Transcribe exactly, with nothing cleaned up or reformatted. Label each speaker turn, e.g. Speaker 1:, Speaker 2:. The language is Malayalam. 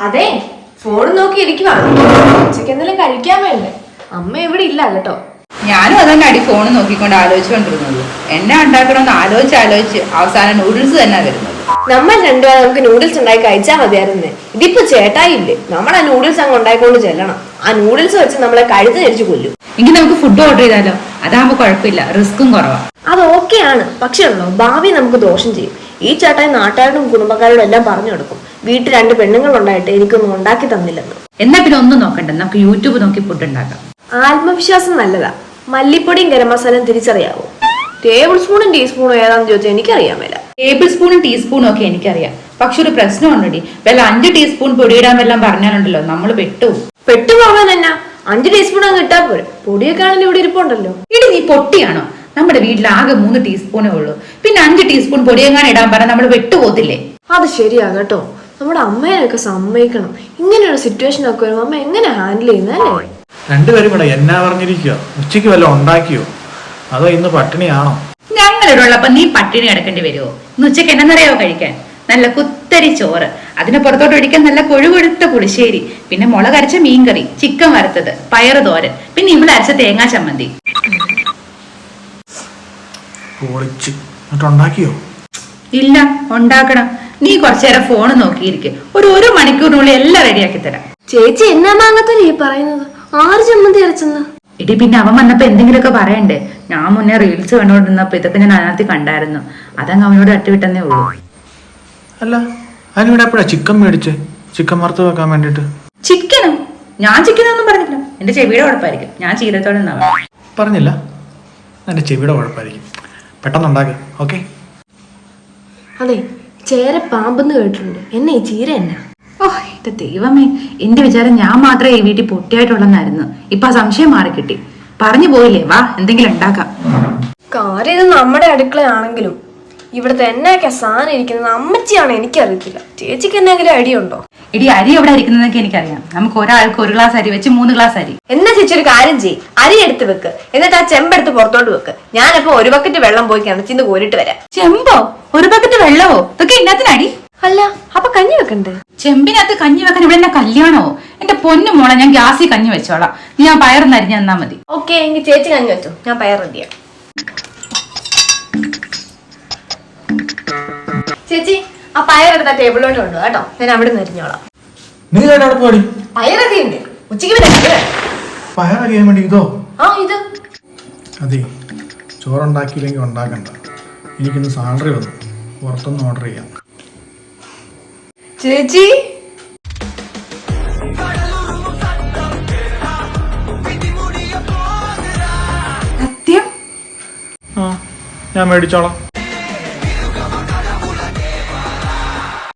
Speaker 1: അതെ ഫോൺ നോക്കി ഇരിക്കുവാണ്. ഉച്ചയ്ക്ക് എന്തെങ്കിലും കഴിക്കാൻ വേണ്ടേ? അമ്മ ഇവിടെ ഇല്ല കേട്ടോ.
Speaker 2: ഞാനും അതന്നെ അടി ഫോൺ നോക്കിക്കൊണ്ട് ആലോചിച്ചുകൊണ്ടിരുന്നത്. എന്നെ ഉണ്ടാക്കണമെന്ന് ആലോചിച്ച് ആലോചിച്ച് അവസാനം നൂഡിൽസ് തന്നെ വരുന്നത്.
Speaker 1: നമ്മൾ രണ്ടുപേരും നമുക്ക് നൂഡിൽസ് ഉണ്ടാക്കി കഴിച്ചാൽ മതിയായിരുന്നേ. ഇതിപ്പോ ചേട്ടായില്ലേ, നമ്മൾ ആ നൂഡിൽസ് അങ്ങ് ഉണ്ടായിക്കൊണ്ട് ചെല്ലണം. ആ നൂഡിൽസ് വെച്ച് നമ്മളെ കഴുത്ത് ധരിച്ചു കൊല്ലും.
Speaker 2: എങ്കിൽ നമുക്ക് ഫുഡ് ഓർഡർ ചെയ്താലോ? അതാകുമ്പോ കുഴപ്പമില്ല, റിസ്ക്കും കുറവാണ്.
Speaker 1: അത് ഓക്കെയാണ്, പക്ഷേ ഉള്ളോ ഭാവി നമുക്ക് ദോഷം ചെയ്യും. ഈ ചേട്ടായി നാട്ടുകാരോടും കുടുംബക്കാരോടും എല്ലാം പറഞ്ഞു കൊടുക്കും, വീട്ടിൽ രണ്ട് പെണ്ണുങ്ങൾ ഉണ്ടായിട്ട് എനിക്കൊന്നും ഉണ്ടാക്കി തന്നില്ലെന്ന്.
Speaker 2: എന്നാ പിന്നെ ഒന്നും നോക്കണ്ട, നമുക്ക് യൂട്യൂബ് നോക്കി ഫുഡ് ഉണ്ടാക്കാം.
Speaker 1: ആത്മവിശ്വാസം നല്ലതാ. മല്ലിപ്പൊടിയും ഗരം മസാലയും തിരിച്ചറിയാവോ? ടേബിൾ സ്പൂണും ടീസ്പൂണും ഏതാന്ന് ചോദിച്ചാൽ എനിക്കറിയാൻ മേല.
Speaker 2: ടേബിൾ സ്പൂണും ടീസ്പൂണും ഒക്കെ എനിക്കറിയാം, പക്ഷെ ഒരു പ്രശ്നം ഉണ്ടടി. വല്ല അഞ്ച് ടീസ്പൂൺ പൊടിയിടാൻ വല്ലതും പറഞ്ഞാലുണ്ടല്ലോ നമ്മൾ പെട്ടുപോകും.
Speaker 1: പെട്ടുപോകാൻ എന്നാ, അഞ്ച് ടീസ്പൂൺ അങ്ങ് ഇട്ടാ പോരെ. പൊടിയൊക്കെ ആണെങ്കിൽ ഇവിടെ ഇരിപ്പുണ്ടല്ലോ.
Speaker 2: ഇടി നീ പൊട്ടിയാണോ? നമ്മുടെ വീട്ടിൽ ആകെ മൂന്ന് ടീസ്പൂണേ ഉള്ളൂ, പിന്നെ അഞ്ച് ടീസ്പൂൺ പൊടിയെങ്ങാൻ ഇടാൻ പറഞ്ഞാൽ നമ്മൾ പെട്ടുപോകത്തില്ലേ?
Speaker 1: അത് ശരിയാ കേട്ടോ. നമ്മുടെ അമ്മേനൊക്കെ സമ്മതിക്കണം. ഇങ്ങനെയുള്ള സിറ്റുവേഷൻ ഒക്കെ വരുമ്പോ അമ്മ എങ്ങനെ ഹാൻഡിൽ ചെയ്യുന്നല്ലേ?
Speaker 3: രണ്ടുപേരും കൂടെ എന്നാ പറഞ്ഞിരിക്കോ? ഉച്ചയ്ക്ക് വല്ലതും ഉണ്ടാക്കിയോ അതോ ഇന്ന് പട്ടിണിയാണോ?
Speaker 2: ഞങ്ങളിവിടെ ഉള്ളപ്പോ നീ പട്ടിണി കിടക്കേണ്ടി വരുമോ? ഇന്ന് ഉച്ചയ്ക്ക് എന്നറിയാവോ കഴിക്കാൻ? നല്ല കുത്തരി ചോറ്, അതിന് പുറത്തോട്ട് ഒഴിക്കാൻ നല്ല കൊഴുകൊഴുത്ത പുളിശ്ശേരി, പിന്നെ മുളക് അരച്ച മീൻകറി, ചിക്കൻ വറുത്തത്, പയറ് തോരൻ, പിന്നെ ഇവിടെ അരച്ച തേങ്ങാ ചമ്മന്തി.
Speaker 3: പൊളിച്ച് എന്നിട്ട് ഉണ്ടാക്കിയോ?
Speaker 2: ഇല്ല, ഉണ്ടാക്കണം. നീ കുറച്ചു നേരം ഫോണ് നോക്കിയിരിക്കും, ഒരു ഒരു മണിക്കൂറിനുള്ളിൽ എല്ലാം റെഡിയാക്കി തരാം.
Speaker 1: ചേച്ചി എന്നാ മാങ്ങത്തല്ലേ ഈ പറയുന്നത്? ആറ് ചമ്മന്തി അരച്ചെന്ന്?
Speaker 2: ഇടി പിന്നെ അവൻ വന്നപ്പോ എന്തെങ്കിലുമൊക്കെ പറയണ്ടേ? ഞാൻ മുന്നേ റീൽസ് കണ്ടോണ്ടിരുന്നപ്പോ ഇതൊക്കെ ഞാൻ അതിനകത്ത് കണ്ടായിരുന്നു, അതങ്ങ് അവനോട് അട്ടുവിട്ടെന്നേ ഉള്ളൂ.
Speaker 3: അല്ല, അതിനിവിടെ എപ്പോഴാ ചിക്കൻ മേടിച്ച് ചിക്കൻ വറുത്ത് വെക്കാൻ വേണ്ടിട്ട്?
Speaker 2: ചിക്കനോ? ഞാൻ ചിക്കനൊന്നും പറഞ്ഞില്ല, എന്റെ ചെവിയുടെ കുഴപ്പമായിരിക്കും. ഞാൻ ചീരത്തോടെ നിന്നാ
Speaker 3: പറഞ്ഞില്ല, എന്റെ ചെവിയുടെ കുഴപ്പമായിരിക്കും. പെട്ടെന്ന് ഉണ്ടാക്കുക. ഓക്കെ.
Speaker 1: അതെ, ചേര പാമ്പെന്ന് കേട്ടിട്ടുണ്ട്. എന്നെ ഈ ചീര എന്നാ?
Speaker 2: ഓ എന്റെ ദൈവമേ, എന്റെ വിചാരം ഞാൻ മാത്രമേ ഈ വീട്ടിൽ പൊട്ടിയായിട്ടുള്ളെന്നായിരുന്നു. ഇപ്പൊ ആ സംശയം മാറിക്കിട്ടി. പറഞ്ഞു പോയില്ലേ, വാ എന്തെങ്കിലും ഉണ്ടാക്കാം.
Speaker 1: കാര്യം ഇത് നമ്മുടെ അടുക്കളയാണെങ്കിലും ഇവിടുത്തെ എന്നൊക്കെ സാധനം ഇരിക്കുന്നത് അമ്മച്ചിയാണ്, എനിക്കറിയത്തില്ല. ചേച്ചിക്ക് എന്തെങ്കിലും ഐഡിയ ഉണ്ടോ?
Speaker 2: ഇടി അരി എവിടെ ഇരിക്കുന്നതൊക്കെ എനിക്കറിയാം. നമുക്ക് ഒരാൾക്ക് ഒരു ഗ്ലാസ് അരി വെച്ച് മൂന്ന് ഗ്ലാസ് അരി.
Speaker 1: എന്നാ ചേച്ചി ഒരു കാര്യം ചെയ്യ്, അരി എടുത്ത് വെക്ക്, എന്നിട്ട് ആ ചെമ്പെടുത്ത് പുറത്തോട്ട് വെക്ക്. ഞാനപ്പോ ഒരു ബക്കറ്റ് വെള്ളം പോയി കിണച്ചിന്ന് കോരിട്ട് വരാം.
Speaker 2: ചെമ്പോ? ഒരു ബക്കറ്റ് വെള്ളവോ? ഇതൊക്കെ ഇന്നത്തിനടി?
Speaker 1: അല്ല, അപ്പൊ കഞ്ഞി വെക്കണ്ടേ?
Speaker 2: ചെമ്പിനകത്ത് കഞ്ഞി വെക്കാൻ ഇവിടെ എന്നെ കല്യാണോ? എന്റെ പൊന്നു മോളെ, ഞാൻ ഗ്യാസിൽ കഞ്ഞി വെച്ചോളാം. നീ ആ പയറൊന്ന് അരിഞ്ഞ് തന്നാ മതി.
Speaker 1: ഓക്കെ, എങ്കിൽ ചേച്ചി കഞ്ഞി വെച്ചോ, ഞാൻ പയർ റെഡിയാ. ചേച്ചി ആ പയറെടുത്ത ടേബിളിലോട്ട് കൊണ്ടു കേട്ടോ, ഞാൻ അവിടെ നിന്ന് അരിഞ്ഞോളാം.
Speaker 3: നീ അവിടെ പോടി.
Speaker 1: പയറൊക്കെ ഉണ്ട്, ഉച്ചയ്ക്ക്
Speaker 3: പയററിയാൻ വേണ്ടി ഇതോ?
Speaker 1: ആ ഇത്
Speaker 3: അതെ, ചോറുണ്ടാക്കിയില്ലെങ്കിൽ ഉണ്ടാക്കണ്ട. എനിക്കിന്ന് സാലറി വന്നു, പുറത്തൊന്ന് ഓർഡർ ചെയ്യാം.
Speaker 1: ചേച്ചി
Speaker 2: സത്യം?
Speaker 3: ആ, ഞാൻ മേടിച്ചോളാം.